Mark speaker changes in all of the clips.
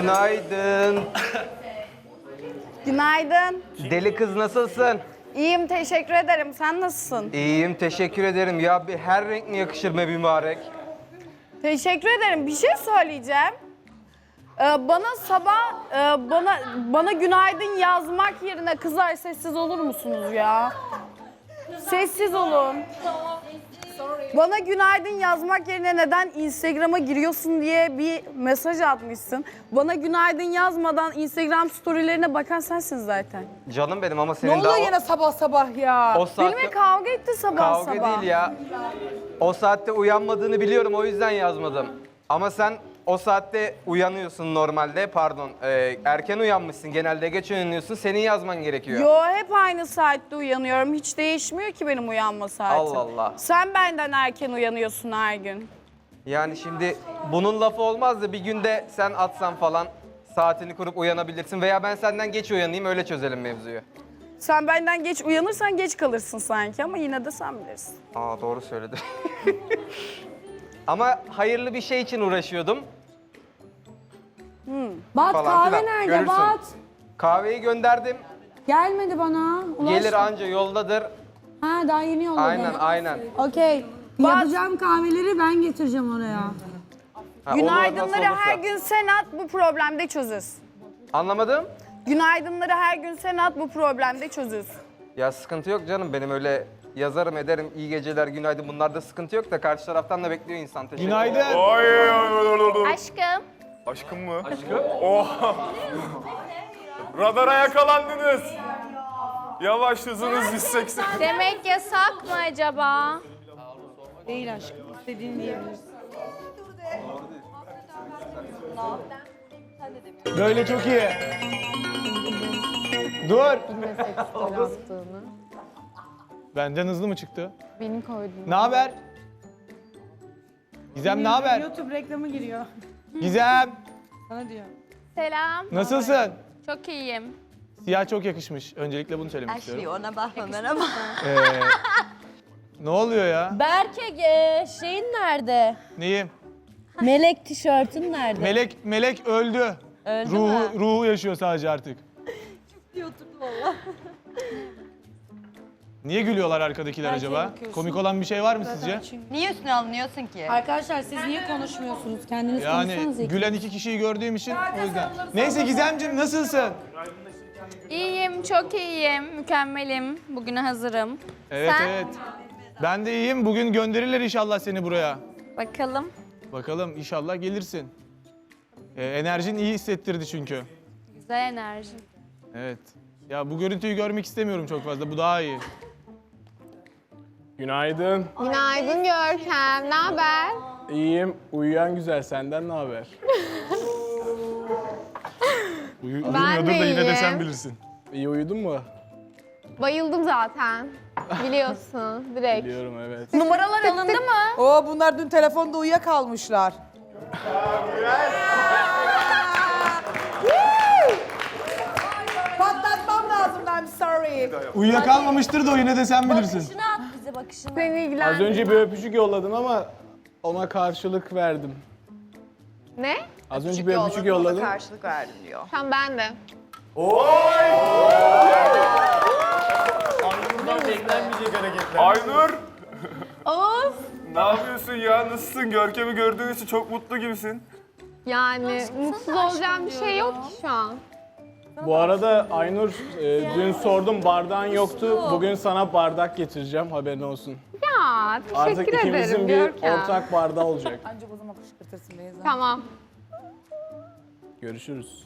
Speaker 1: Günaydın.
Speaker 2: Günaydın.
Speaker 1: Deli kız nasılsın?
Speaker 2: İyiyim, teşekkür ederim. Sen nasılsın?
Speaker 1: İyiyim, teşekkür ederim. Ya bir her renk mi yakışır be mübarek?
Speaker 2: Teşekkür ederim. Bir şey söyleyeceğim. Bana sabah bana günaydın yazmak yerine kızlar sessiz olur musunuz ya? Sessiz olun. Bana günaydın yazmak yerine neden Instagram'a giriyorsun diye bir mesaj atmışsın. Bana günaydın yazmadan Instagram storylerine bakan sensin zaten.
Speaker 1: Canım benim ama
Speaker 3: Ne
Speaker 1: senin
Speaker 3: oluyor
Speaker 1: daha
Speaker 3: yine sabah sabah ya?
Speaker 1: o saatte...
Speaker 2: Benimle kavga etti sabah
Speaker 1: Kavga
Speaker 2: sabah.
Speaker 1: değil ya. O saatte uyanmadığını biliyorum, o yüzden yazmadım. Ama sen o saatte uyanıyorsun normalde, pardon. Erken uyanmışsın, genelde geç uyanıyorsun. Senin yazman gerekiyor.
Speaker 2: Yo, hep aynı saatte uyanıyorum. Hiç değişmiyor ki benim uyanma saatim.
Speaker 1: Allah Allah.
Speaker 2: Sen benden erken uyanıyorsun her gün.
Speaker 1: Yani şimdi bunun lafı olmaz da bir günde sen atsan falan saatini kurup uyanabilirsin. Veya ben senden geç uyanayım, öyle çözelim mevzuyu.
Speaker 2: Sen benden geç uyanırsan geç kalırsın sanki ama yine de sen bilirsin.
Speaker 1: Aa, doğru söyledi. Ama hayırlı bir şey için uğraşıyordum.
Speaker 4: Bat
Speaker 1: Falan
Speaker 4: kahve
Speaker 1: filan.
Speaker 4: nerede
Speaker 1: Görürsün.
Speaker 4: Bat?
Speaker 1: Kahveyi gönderdim.
Speaker 4: Gelmedi bana.
Speaker 1: Gelir anca yoldadır.
Speaker 4: Ha daha yeni yolladı.
Speaker 1: Aynen.
Speaker 4: Okey. Yapacağım kahveleri ben getireceğim oraya.
Speaker 1: Ha, olur,
Speaker 2: Günaydınları
Speaker 1: nasıl olursa.
Speaker 2: her gün sen at, bu problemde çözüz.
Speaker 1: Anlamadım.
Speaker 2: Günaydınları her gün sen at, bu problemde çözüz.
Speaker 1: Ya sıkıntı yok canım, benim öyle yazarım ederim, iyi geceler, günaydın, bunlarda sıkıntı yok da karşı taraftan da bekliyor insan. Teşekkür ederim.
Speaker 5: Günaydın.
Speaker 2: Aşkım.
Speaker 5: Aşkım mı? Aşkım? Oha! Radara yakalandınız. Yavaş, hızınız 180.
Speaker 6: Demek yasak mı acaba?
Speaker 4: Değil aşkım. İstediğini diyebilirsin.
Speaker 7: Böyle çok iyi. Dur. Benden hızlı mı çıktı?
Speaker 6: Benim koydum.
Speaker 7: Ne haber? Gizem ne haber?
Speaker 4: YouTube reklamı giriyor.
Speaker 7: Gizem
Speaker 4: Sana diyor.
Speaker 6: Selam.
Speaker 7: nasılsın?
Speaker 6: Çok iyiyim.
Speaker 7: Siyah çok yakışmış. Öncelikle bunu söylemek istiyorum.
Speaker 8: Ona bakma merhaba.
Speaker 7: Ne oluyor ya?
Speaker 8: Berke şeyin nerede?
Speaker 7: Neyim?
Speaker 8: Melek tişörtün nerede?
Speaker 7: Melek öldü.
Speaker 8: Öldü
Speaker 7: ruhu,
Speaker 8: mü?
Speaker 7: ruhu yaşıyor sadece artık. Niye gülüyorlar arkadakiler acaba? Komik olan bir şey var mı sizce?
Speaker 8: Niye üstüne alınıyorsun ki?
Speaker 4: Arkadaşlar siz niye konuşmuyorsunuz? Kendiniz
Speaker 7: Yani
Speaker 4: konuşsanız
Speaker 7: gülen iki kişiyi gördüğüm için o yüzden. Neyse Gizemciğim nasılsın?
Speaker 6: İyiyim, çok iyiyim. Mükemmelim. Bugüne hazırım.
Speaker 7: Evet
Speaker 6: Sen?
Speaker 7: evet. Ben de iyiyim. Bugün gönderirler inşallah seni buraya.
Speaker 6: Bakalım.
Speaker 7: Bakalım inşallah gelirsin. Enerjin iyi hissettirdi çünkü.
Speaker 6: Güzel enerji.
Speaker 7: Evet. Ya bu görüntüyü görmek istemiyorum çok fazla. Bu daha iyi.
Speaker 5: Günaydın.
Speaker 6: Günaydın Görkem. Ne haber?
Speaker 5: İyiyim. Uyuyan güzel. Senden ne haber?
Speaker 7: Uyumuyordur da yine de sen bilirsin.
Speaker 5: İyi uyudun mu?
Speaker 6: Bayıldım zaten. Biliyorsun direkt.
Speaker 5: Biliyorum, evet.
Speaker 2: Numaralar alındı mı?
Speaker 3: Oo, bunlar dün telefonda uyuyakalmışlar. Patlatmam lazım, I'm sorry.
Speaker 7: Uyuyakalmamıştır da o yine de sen bilirsin.
Speaker 8: Bakışını at bize bakışını.
Speaker 6: Seni ilgilen.
Speaker 5: Az önce bir öpücük yolladım ama ona karşılık verdim.
Speaker 6: Ne?
Speaker 5: Az önce bir öpücük yolladım.
Speaker 8: Karşılık verdim diyor.
Speaker 6: Tamam ben de.
Speaker 5: Aynur!
Speaker 6: Oğuz.
Speaker 5: Ne yapıyorsun ya? Nasılsın? Görkem'i gördüğün için çok mutlu gibisin.
Speaker 6: Yani mutsuz olacağım bir şey yok ki şu an.
Speaker 5: Bu arada Aynur, dün sordum bardağın yoktu. Bugün sana bardak getireceğim, haberin olsun.
Speaker 6: Ya teşekkür
Speaker 5: Artık
Speaker 6: ederim
Speaker 5: ikimizin bir
Speaker 6: Görkem.
Speaker 5: ortak bardağı olacak.
Speaker 3: Ancak o zaman kışkırtırsın Beyza.
Speaker 6: Tamam.
Speaker 5: Görüşürüz.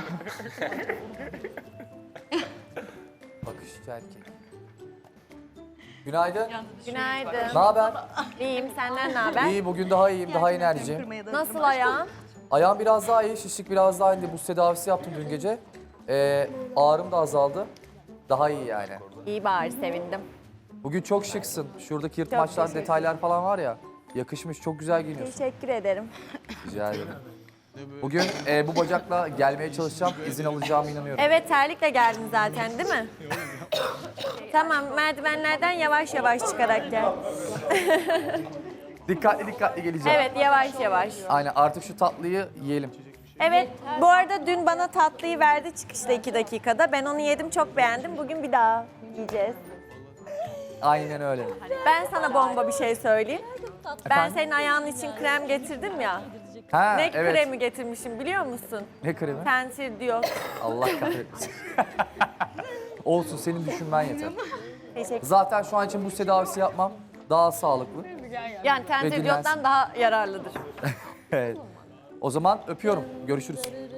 Speaker 9: Bakışçı erkek. Günaydın.
Speaker 8: Günaydın.
Speaker 9: Ne haber?
Speaker 8: İyiyim senden ne haber?
Speaker 9: İyi, bugün daha iyiyim, daha enerjiyim.
Speaker 8: Nasıl ayağın?
Speaker 9: Ayağım biraz daha iyi, şişlik biraz daha indi. Buz tedavisi yaptım dün gece. Ağrım da azaldı. Daha iyi yani.
Speaker 8: İyi bari sevindim.
Speaker 9: Bugün çok şıksın. Şuradaki yırtmaçlar, detaylar falan var ya. Yakışmış, çok güzel giyiniyorsun.
Speaker 8: Teşekkür ederim.
Speaker 9: Rica ederim. Bugün bu bacakla gelmeye çalışacağım, izin alacağıma inanıyorum.
Speaker 8: Evet terlikle geldin zaten değil mi? Tamam merdivenlerden yavaş yavaş çıkarak gel.
Speaker 9: Dikkatli dikkatli geleceğim.
Speaker 8: Evet yavaş yavaş.
Speaker 9: Aynen, artık şu tatlıyı yiyelim.
Speaker 8: Evet, bu arada dün bana tatlıyı verdi çıkışta 2 dakikada. Ben onu yedim, çok beğendim. Bugün bir daha yiyeceğiz.
Speaker 9: Aynen öyle.
Speaker 8: Ben sana bomba bir şey söyleyeyim. Ben
Speaker 9: Efendim?
Speaker 8: senin ayağın için krem getirdim ya.
Speaker 9: Ha,
Speaker 8: Ne
Speaker 9: evet.
Speaker 8: kremi getirmişim biliyor musun?
Speaker 9: Ne kremi?
Speaker 8: Tensil diyor.
Speaker 9: Allah kahretmesin. Olsun, senin düşünmen yeter.
Speaker 8: Teşekkür.
Speaker 9: Zaten şu an için bu tedavisi yapmam daha sağlıklı.
Speaker 8: Yani tensil
Speaker 9: dinlensin.
Speaker 8: diyottan daha yararlıdır.
Speaker 9: Evet. O zaman öpüyorum. Görüşürüz.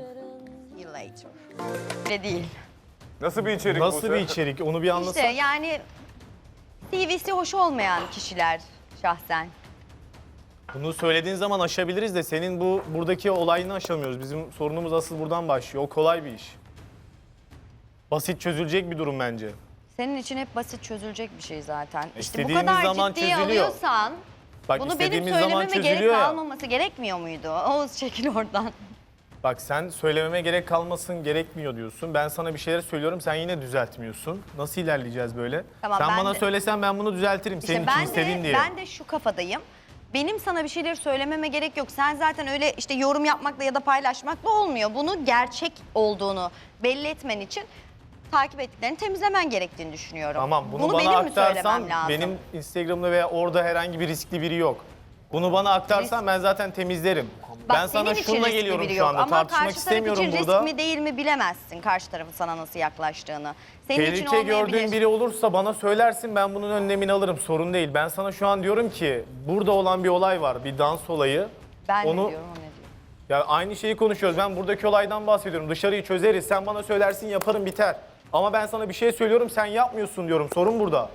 Speaker 10: Öyle değil.
Speaker 11: Nasıl bir içerik bu?
Speaker 7: Nasıl bir içerik? Onu bir anlasana.
Speaker 10: İşte yani CV'si hoş olmayan kişiler şahsen.
Speaker 7: Bunu söylediğin zaman aşabiliriz de senin buradaki olayını aşamıyoruz. Bizim sorunumuz asıl buradan başlıyor. O kolay bir iş. Basit çözülecek bir durum bence.
Speaker 10: Senin için hep basit çözülecek bir şey zaten. İşte bu
Speaker 7: İstediğimiz
Speaker 10: kadar
Speaker 7: zaman
Speaker 10: ciddiye
Speaker 7: çözülüyor.
Speaker 10: alıyorsan
Speaker 7: Bak
Speaker 10: bunu benim
Speaker 7: istediğimiz zaman
Speaker 10: söylememe gerek
Speaker 7: çözülüyor ya.
Speaker 10: kalmaması gerekmiyor muydu? Oğuz çekil oradan.
Speaker 7: Bak sen söylememe gerek kalmasın gerekmiyor diyorsun. Ben sana bir şeyler söylüyorum sen yine düzeltmiyorsun. Nasıl ilerleyeceğiz böyle?
Speaker 10: Tamam,
Speaker 7: sen
Speaker 10: ben
Speaker 7: bana
Speaker 10: de-
Speaker 7: söylesen ben bunu düzeltirim.
Speaker 10: İşte
Speaker 7: Senin için
Speaker 10: ben
Speaker 7: istediğin
Speaker 10: de,
Speaker 7: diye.
Speaker 10: ben de şu kafadayım. Benim sana bir şeyleri söylememe gerek yok. Sen zaten öyle işte yorum yapmakla ya da paylaşmakla olmuyor. Bunu gerçek olduğunu belli etmen için takip ettiklerini temizlemen gerektiğini düşünüyorum.
Speaker 7: Tamam bunu bana
Speaker 10: benim mi
Speaker 7: aktarsan
Speaker 10: söylemem lazım?
Speaker 7: benim Instagram'da veya orada herhangi bir riskli biri yok. Bunu bana aktarsan ben zaten temizlerim.
Speaker 10: Bak,
Speaker 7: ben sana
Speaker 10: senin için
Speaker 7: şununla
Speaker 10: riskli
Speaker 7: geliyorum
Speaker 10: biri
Speaker 7: şu
Speaker 10: yok.
Speaker 7: anda.
Speaker 10: Ama
Speaker 7: Tartışmak
Speaker 10: karşı taraf
Speaker 7: istemiyorum
Speaker 10: için
Speaker 7: burada.
Speaker 10: risk mi değil mi bilemezsin karşı tarafın sana nasıl yaklaştığını. Senin için
Speaker 7: Tehlike
Speaker 10: olmayabilir.
Speaker 7: gördüğün biri olursa bana söylersin ben bunun önlemini alırım sorun değil. Ben sana şu an diyorum ki burada olan bir olay var bir dans olayı.
Speaker 10: Ben
Speaker 7: Onu-
Speaker 10: ne diyorum o ne diyor.
Speaker 7: Ya aynı şeyi konuşuyoruz ben buradaki olaydan bahsediyorum dışarıyı çözeriz sen bana söylersin yaparım biter. Ama ben sana bir şey söylüyorum sen yapmıyorsun diyorum sorun burada.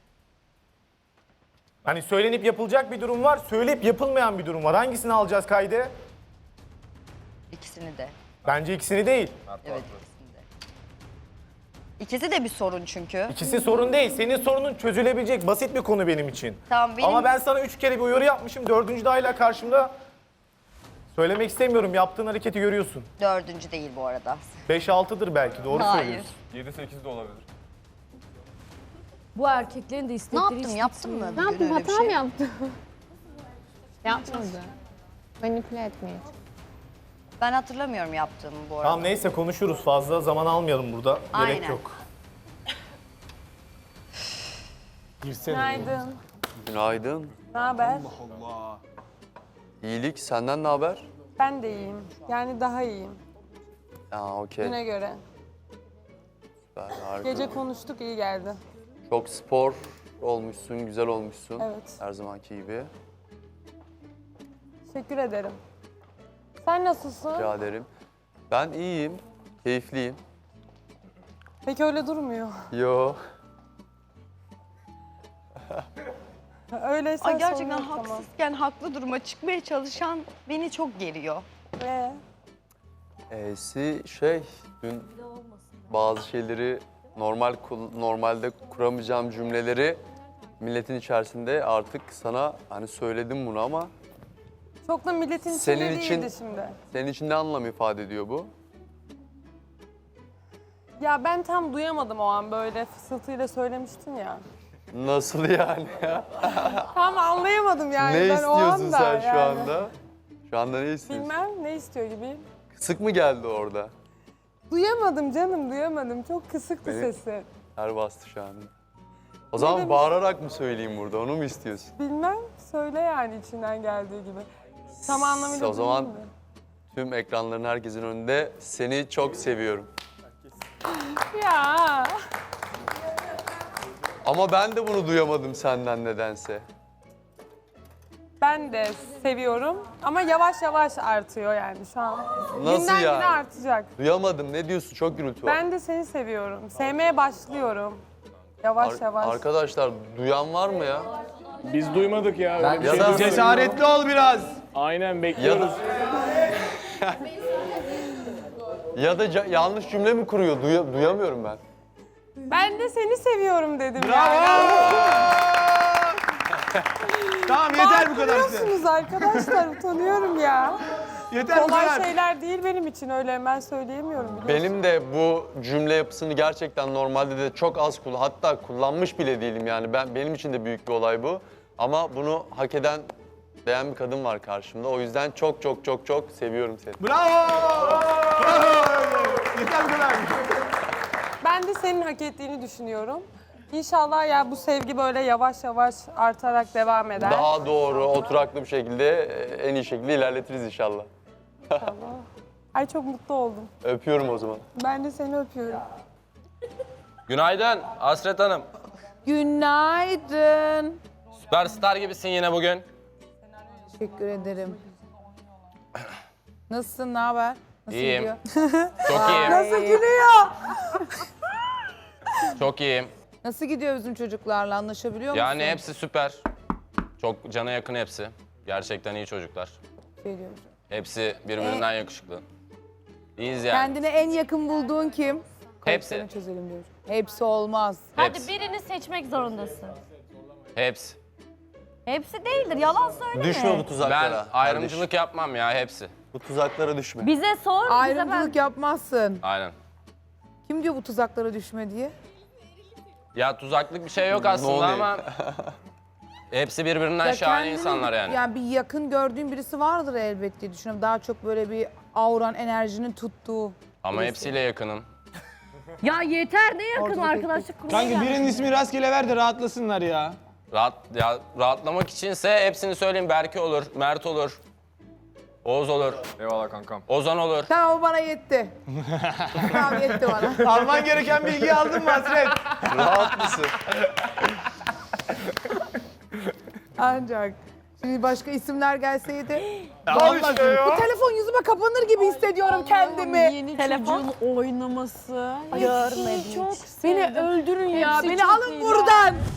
Speaker 7: Hani söylenip yapılacak bir durum var söyleyip yapılmayan bir durum var hangisini alacağız kaydı?
Speaker 10: İkisini de.
Speaker 7: Bence ikisini değil.
Speaker 10: Evet ikisini de. İkisi de bir sorun çünkü.
Speaker 7: İkisi sorun değil. Senin sorunun çözülebilecek basit bir konu benim için.
Speaker 10: Tamam, benim-
Speaker 7: Ama ben sana 3 kere bir uyarı yapmışım. 4. de hala karşımda. Söylemek istemiyorum. Yaptığın hareketi görüyorsun.
Speaker 10: 4. değil bu arada.
Speaker 7: 5-6'dır belki. Doğru
Speaker 10: Hayır.
Speaker 7: söylüyorsun.
Speaker 11: 7-8 de olabilir.
Speaker 4: Bu erkeklerin de
Speaker 10: Ne
Speaker 4: istekleri
Speaker 10: yaptım yaptım mı?
Speaker 6: Ne yaptın?
Speaker 10: Öyle bir
Speaker 6: Hata
Speaker 10: şey?
Speaker 6: mı yaptın? Yapmadı. Manipüle etmeye.
Speaker 10: Ben hatırlamıyorum yaptığımı bu arada.
Speaker 7: Tamam neyse konuşuruz. Fazla zaman almayalım burada. Gerek
Speaker 10: Aynen.
Speaker 7: yok. Girsene.
Speaker 3: Günaydın.
Speaker 12: Günaydın.
Speaker 3: Ne haber?
Speaker 12: İyilik. Senden ne haber?
Speaker 3: Ben de iyiyim. Yani daha iyiyim.
Speaker 12: Aa, okey.
Speaker 3: Güne göre.
Speaker 12: Süper, harika.
Speaker 3: Gece konuştuk, iyi geldi.
Speaker 12: Çok spor olmuşsun, güzel olmuşsun.
Speaker 3: Evet.
Speaker 12: Her zamanki gibi.
Speaker 3: Teşekkür ederim. Sen nasılsın?
Speaker 12: Rica ederim. Ben iyiyim, keyifliyim.
Speaker 3: Peki öyle durmuyor.
Speaker 12: Yo.
Speaker 3: Öyleyse
Speaker 10: Ay gerçekten
Speaker 3: sorun yok, tamam.
Speaker 10: haksızken haklı duruma çıkmaya çalışan beni çok geriyor.
Speaker 12: Dün bazı şeyleri normalde kuramayacağım cümleleri milletin içerisinde artık sana hani söyledim bunu ama
Speaker 3: Çok da milletin
Speaker 12: Senin
Speaker 3: içinde
Speaker 12: için-
Speaker 3: değildi şimdi.
Speaker 12: senin için ne anlam ifade ediyor bu?
Speaker 3: Ya ben tam duyamadım o an böyle fısıltıyla söylemiştin ya.
Speaker 12: Nasıl yani ya?
Speaker 3: Tam anlayamadım yani
Speaker 12: Ne
Speaker 3: ben o
Speaker 12: istiyorsun
Speaker 3: anda.
Speaker 12: sen şu
Speaker 3: yani.
Speaker 12: anda? Şu anda ne istiyorsun?
Speaker 3: Bilmem ne istiyor gibi.
Speaker 12: Kısık mı geldi orada?
Speaker 3: Duyamadım canım duyamadım. Çok kısıktı
Speaker 12: Benim-
Speaker 3: sesi.
Speaker 12: Ter bastı şu anda. O zaman
Speaker 3: demek?
Speaker 12: bağırarak mı söyleyeyim burada? Onu mu istiyorsun?
Speaker 3: Bilmem söyle yani içinden geldiği gibi. Tam anlamıyla
Speaker 12: O zaman
Speaker 3: duyayım mı?
Speaker 12: tüm ekranların herkesin önünde seni çok seviyorum.
Speaker 3: Ya
Speaker 12: Ama ben de bunu duyamadım senden nedense.
Speaker 3: ben de seviyorum ama yavaş yavaş artıyor yani şu an.
Speaker 12: Nasıl
Speaker 3: Günden
Speaker 12: yani?
Speaker 3: güne artacak.
Speaker 12: Duyamadım. Ne diyorsun? Çok gürültü var.
Speaker 3: Ben de seni seviyorum. Sevmeye başlıyorum. Yavaş yavaş.
Speaker 12: Arkadaşlar duyan var mı ya?
Speaker 5: Biz duymadık ya. Öyle bir
Speaker 12: Ya
Speaker 5: şey
Speaker 12: da-
Speaker 5: duymadık.
Speaker 7: Cesaretli ol biraz.
Speaker 5: Aynen
Speaker 12: Ya
Speaker 5: bekliyoruz.
Speaker 12: da... ya da yanlış cümle mi kuruyor? Duyamıyorum ben.
Speaker 3: Ben de seni seviyorum dedim yani.
Speaker 7: Tamam yeter bu kadar size.
Speaker 3: Bağırıyorsunuz arkadaşlar utanıyorum ya.
Speaker 7: Yeter bu
Speaker 3: Kolay
Speaker 7: kadar.
Speaker 3: şeyler değil benim için öyle hemen söyleyemiyorum biliyorsun.
Speaker 12: Benim de bu cümle yapısını gerçekten normalde de çok az hatta kullanmış bile değilim yani. Benim için de büyük bir olay bu. Ama bunu hak eden bekleyen bir kadın var karşımda. O yüzden çok çok çok çok seviyorum seni.
Speaker 5: Bravo! Yeter bu kadar.
Speaker 3: Ben de senin hak ettiğini düşünüyorum. İnşallah ya bu sevgi böyle yavaş yavaş artarak devam eder.
Speaker 12: Daha doğru, oturaklı bir şekilde, en iyi şekilde ilerletiriz inşallah.
Speaker 3: Ay çok mutlu oldum.
Speaker 12: Öpüyorum o zaman.
Speaker 3: Ben de seni öpüyorum.
Speaker 13: Günaydın Hasret Hanım.
Speaker 14: Günaydın.
Speaker 13: Süperstar gibisin yine bugün.
Speaker 14: Teşekkür ederim. Nasılsın, ne haber? Nasıl
Speaker 13: İyiyim.
Speaker 14: gidiyor?
Speaker 13: Çok iyiyim.
Speaker 14: Nasıl gülüyor?
Speaker 13: Çok iyiyim.
Speaker 14: Nasıl gidiyor bizim çocuklarla, anlaşabiliyor musun?
Speaker 13: Yani hepsi süper. Çok cana yakın hepsi. Gerçekten iyi çocuklar.
Speaker 14: Şey diyorum.
Speaker 13: Hepsi birbirinden yakışıklı. İyiyiz yani.
Speaker 14: Kendine en yakın bulduğun kim?
Speaker 13: Hepsi.
Speaker 14: Kayıplarını çözelim diyorum. Hepsi olmaz.
Speaker 13: Hepsi.
Speaker 2: birini seçmek zorundasın.
Speaker 13: Hepsi.
Speaker 2: Hepsi değildir, yalan söyleme.
Speaker 12: Düşme bu tuzaklara.
Speaker 13: Ben ayrımcılık yapmam ya hepsi.
Speaker 12: Bu tuzaklara düşme.
Speaker 2: Bize sor,
Speaker 14: Ayrımcılık yapmazsın.
Speaker 13: Aynen.
Speaker 14: Kim diyor bu tuzaklara düşme diye?
Speaker 13: Ya tuzaklık bir şey yok aslında
Speaker 12: name.
Speaker 13: ama hepsi birbirinden
Speaker 14: Ya
Speaker 13: şahane
Speaker 14: kendini-
Speaker 13: insanlar yani.
Speaker 14: Yani bir yakın gördüğün birisi vardır elbet diye düşünüyorum. Daha çok böyle bir auran, enerjinin tuttuğu.
Speaker 13: Ama hepsiyle yakınım.
Speaker 2: Ya yeter, ne yakın
Speaker 14: Ortada
Speaker 2: arkadaşlık kurmaya
Speaker 5: Kanka
Speaker 2: geldik.
Speaker 5: birinin ismi rastgele ver de rahatlasınlar ya.
Speaker 13: Rahatlamak içinse hepsini söyleyeyim. Berke olur, Mert olur, Oğuz olur,
Speaker 11: Eyvallah kankam.
Speaker 13: Ozan olur.
Speaker 14: Tamam, o bana yetti. Tamam, yetti bana.
Speaker 5: Alman gereken bilgiyi aldın mı Hasret?
Speaker 12: Rahat mısın?
Speaker 14: Ancak. Şimdi başka isimler gelseydi.
Speaker 5: Al işte ya.
Speaker 14: Bu telefon yüzüme kapanır gibi hissediyorum kendimi.
Speaker 2: Yeni çocuğun oynaması. Görmedim. Beni öldürün ya. Beni alın buradan.